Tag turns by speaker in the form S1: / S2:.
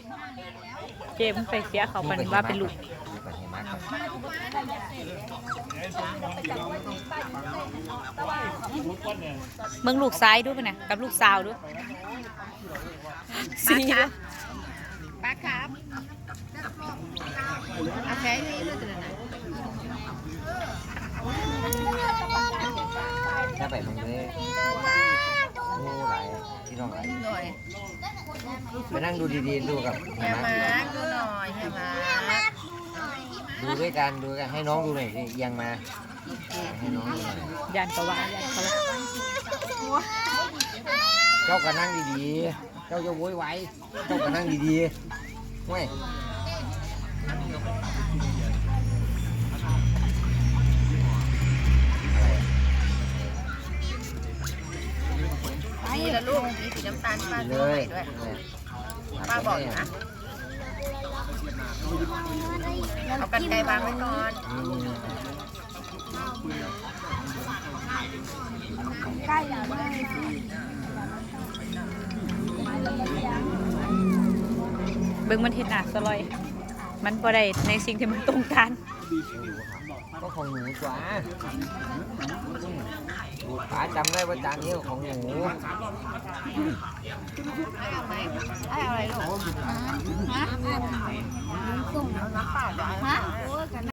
S1: เจมไปเสียเขาปันว่าเป็นลูกเมืองลูกซ้ายด้วยป่ะนะกับลูกสาวด้วยสีด้วยป้าครับอาแค่นี้ด้วยกันนะ
S2: ถ้าไปมึงเลยโอ้หลายพี่น้องหลายไปนั่งดูดีๆดูกับ
S1: แม่มาดูหน่อยแม่มา
S2: ดูด้วยกันดูกันให้น้องดูหน่อยสิยังมาให้น้องดูหน่อย
S1: ยันกว่ายันเขา
S2: เจ้าก็นั่งดีๆเจ้าจะโวยวายเจ้าก็นั่งดีๆไม่
S1: นี่ละลูกมีสีน้ำตาลป้าด้วยป้าบอกนะเอากันไกลวางไว้ก่อนใกล้แล้วเบิ่งมันเห็นหนาสลอยมันบ่ได้ในสิ่งที่มันต้องการ
S2: ก็ของหนูจ้าป๋าจำได้ว่าจานนี้ของหนู
S1: เอาไหมเอาอะไรลูกฮะน้ำเปล่าฮะ